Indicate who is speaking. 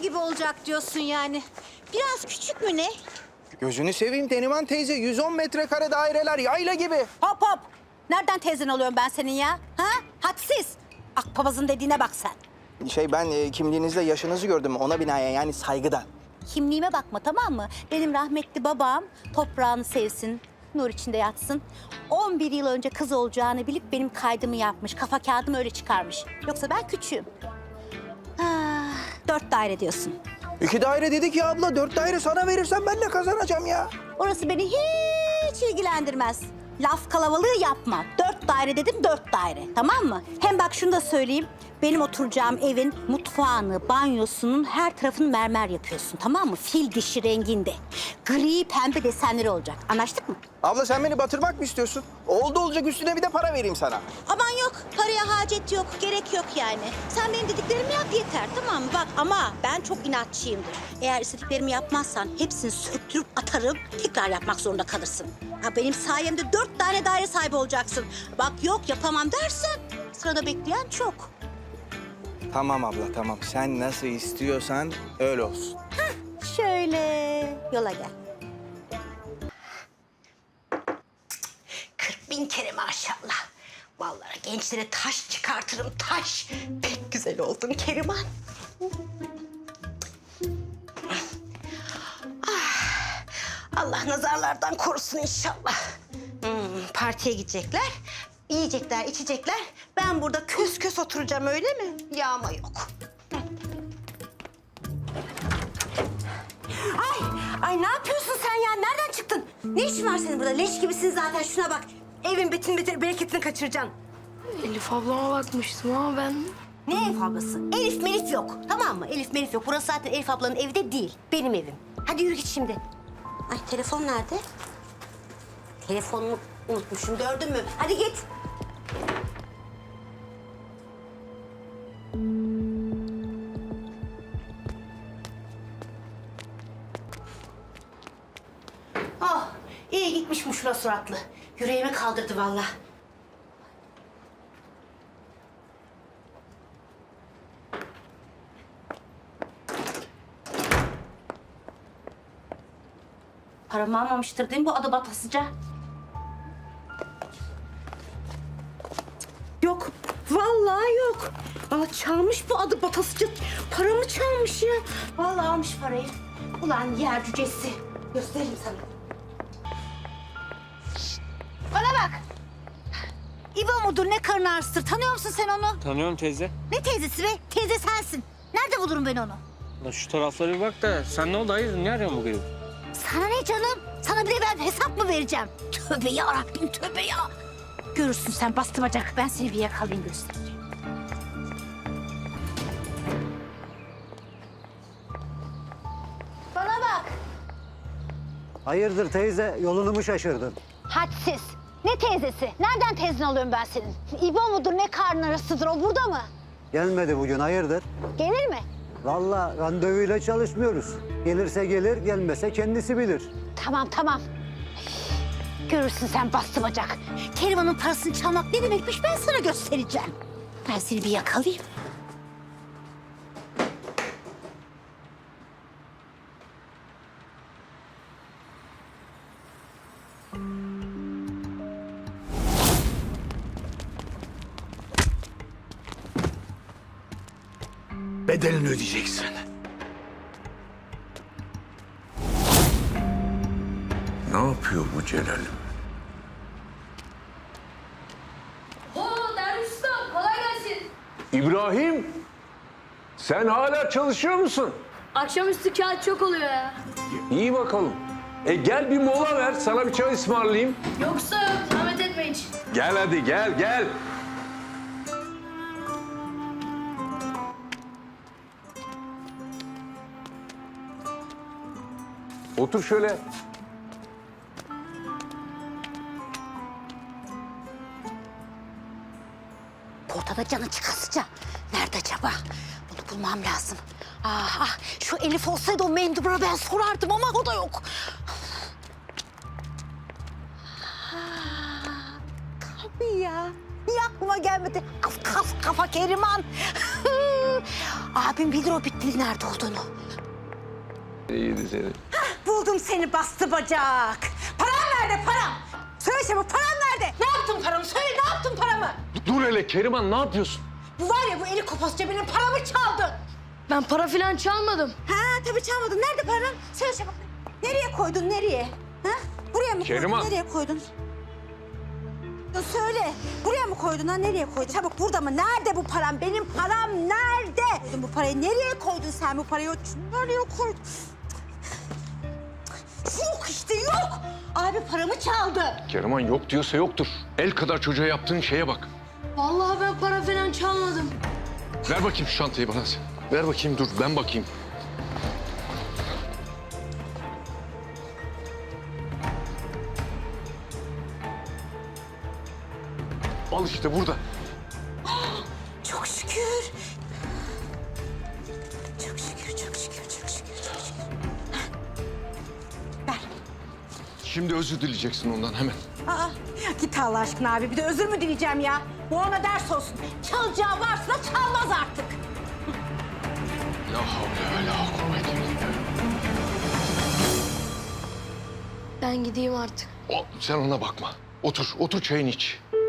Speaker 1: gibi olacak diyorsun yani. Biraz küçük mü ne?
Speaker 2: Gözünü seveyim Neriman teyze. 110 metrekare daireler yayla gibi.
Speaker 1: Hop hop. Nereden teyzen alıyorum ben senin ya? Ha? Hadsiz. Akpapazın dediğine bak sen.
Speaker 2: Ben kimliğinizde yaşınızı gördüm ona binaen yani saygıdan.
Speaker 1: Kimliğime bakma, tamam mı? Benim rahmetli babam toprağını sevsin, nur içinde yatsın. 11 yıl önce kız olacağını bilip benim kaydımı yapmış. Kafa kağıdımı öyle çıkarmış. Yoksa ben küçüğüm. 4 daire diyorsun.
Speaker 2: 2 daire dedik ya abla. 4 daire sana verirsen ben de kazanacağım ya.
Speaker 1: Orası beni hiç ilgilendirmez. Laf kalabalığı yapma. 4 daire dedim, 4 daire. Tamam mı? Hem bak şunu da söyleyeyim. Benim oturacağım evin mutfağını, banyosunun her tarafını mermer yapıyorsun. Tamam mı? Fil dişi renginde. Gri pembe desenleri olacak. Anlaştık mı?
Speaker 2: Abla sen beni batırmak mı istiyorsun? Oldu olacak üstüne bir de para vereyim sana.
Speaker 1: Aman yok. Paraya hacet yok. Gerek yok yani. Sen benim dediklerimi yap yeter, tamam mı? Bak ama ben çok inatçıyımdır. Eğer istediklerimi yapmazsan hepsini söktürüp atarım. Tekrar yapmak zorunda kalırsın. Ha, benim sayemde 4 tane daire sahibi olacaksın. Bak yok yapamam dersen sırada bekleyen çok.
Speaker 2: Tamam abla tamam. Sen nasıl istiyorsan öyle olsun.
Speaker 1: Şöyle yola gel. 40.000 kere maşallah. Vallahi gençlere taş çıkartırım taş. Pek güzel oldun Keriman. Ah, Allah nazarlardan korusun inşallah. Partiye gidecekler, yiyecekler, içecekler. Ben burada kös kös oturacağım öyle mi? Yağma yok. Ay ne yapıyorsun sen ya? Nereden çıktın? Ne işin var senin burada? Leş gibisin zaten. Şuna bak. Evin bereketini kaçıracaksın.
Speaker 3: Elif ablama bakmıştım ama ben...
Speaker 1: Ne Elif ablası? Elif melif yok. Tamam mı? Elif melif yok. Burası zaten Elif ablanın evi de değil. Benim evim. Hadi yürü git şimdi. Ay telefon nerede? Telefonumu unutmuşum. Gördün mü? Hadi git. Oh, iyi gitmiş bu şura suratlı. Yüreğime kaldırdı vallahi. Paramı almamıştır değil mi bu adı batasıca? Yok, vallahi yok. Aa, çalmış bu adı batasıca. Paramı çalmış ya. Vallahi almış parayı. Ulan yer cücesi. Göstereyim sana. Bana bak. İbo mudur ne karın ağrısıdır? Tanıyor musun sen onu?
Speaker 4: Tanıyorum teyze.
Speaker 1: Ne teyzesi be? Teyze sensin. Nerede bulurum ben onu?
Speaker 4: Lan şu taraflara bir bak da sen ne oldu hayırdır ne arıyorsun bu gece?
Speaker 1: Sana ne canım? Sana bir de ben hesap mı vereceğim? Tövbe yarabbim tövbe ya. Görürsün sen bastı bacak. Ben seni bir yakalayayım göstereyim. Bana bak.
Speaker 5: Hayırdır teyze, yolunu mu şaşırdın?
Speaker 1: Hadsiz. Ne teyzesi? Nereden teyzen alıyorum ben senin? İbo mudur ne karnın arasıdır o burada mı?
Speaker 5: Gelmedi bugün, hayırdır?
Speaker 1: Gelir mi?
Speaker 5: Vallahi randevuyla çalışmıyoruz. Gelirse gelir, gelmese kendisi bilir.
Speaker 1: Tamam tamam. Görürsün sen bastı bacak. Keriman'ın parasını çalmak ne demekmiş ben sana göstereceğim. Ben seni bir yakalayayım.
Speaker 6: Bedelini ödeyeceksin. Ne yapıyor bu Celal'im?
Speaker 3: Oo Derviş Usta kolay gelsin.
Speaker 6: İbrahim, sen hala çalışıyor musun?
Speaker 3: Akşamüstü kağıt çok oluyor ya.
Speaker 6: İyi bakalım. Gel bir mola ver, sana bir çay ısmarlayayım.
Speaker 3: Yoksa yok zahmet etme hiç.
Speaker 6: Gel hadi, gel. Otur şöyle.
Speaker 1: Ortada canı çıkasıca. Nerede acaba? Bunu bulmam lazım. Şu Elif olsaydı o mendubura ben sorardım ama o da yok. Tabii ya. Niye aklıma gelmedi? Kafa Keriman. Abim bilir o bittiği nerede olduğunu.
Speaker 6: İyiydi seni.
Speaker 1: Buldum seni bastı bacak. Param nerede param? Söyle çabuk param nerede? Ne yaptın paramı? Söyle ne yaptın paramı?
Speaker 6: Dur hele Keriman, ne yapıyorsun?
Speaker 1: Bu var ya bu eli kopasça benim paramı çaldı.
Speaker 3: Ben para falan çalmadım.
Speaker 1: Ha tabii çalmadın. Nerede param? Söyle çabuk. Nereye koydun nereye? Ha? Buraya mı
Speaker 6: Keriman.
Speaker 1: koydun? Nereye koydun? Söyle. Buraya mı koydun ha? Nereye koydun? Çabuk burada mı? Nerede bu param? Benim param nerede? Bu parayı nereye koydun sen bu parayı? Nereye koydun? Yok işte yok. Abi paramı çaldı.
Speaker 6: Keriman yok diyorsa yoktur. El kadar çocuğa yaptığın şeye bak.
Speaker 3: Vallahi ben para falan çalmadım.
Speaker 6: Ver bakayım şu çantayı bana. Ver bakayım, dur ben bakayım. Al işte burada.
Speaker 1: Çok şükür. Çok şükür, çok şükür, çok şükür, çok şükür. Ver.
Speaker 6: Şimdi özür dileyeceksin ondan hemen.
Speaker 1: Aa, git Allah aşkına abi. Bir de özür mü dileyeceğim ya? Bu ona ders olsun. Çalacağı varsa da çalmaz artık.
Speaker 6: La havle ve la kuvvete illa billah.
Speaker 3: Ben gideyim artık.
Speaker 6: Sen ona bakma. Otur, otur çayını iç.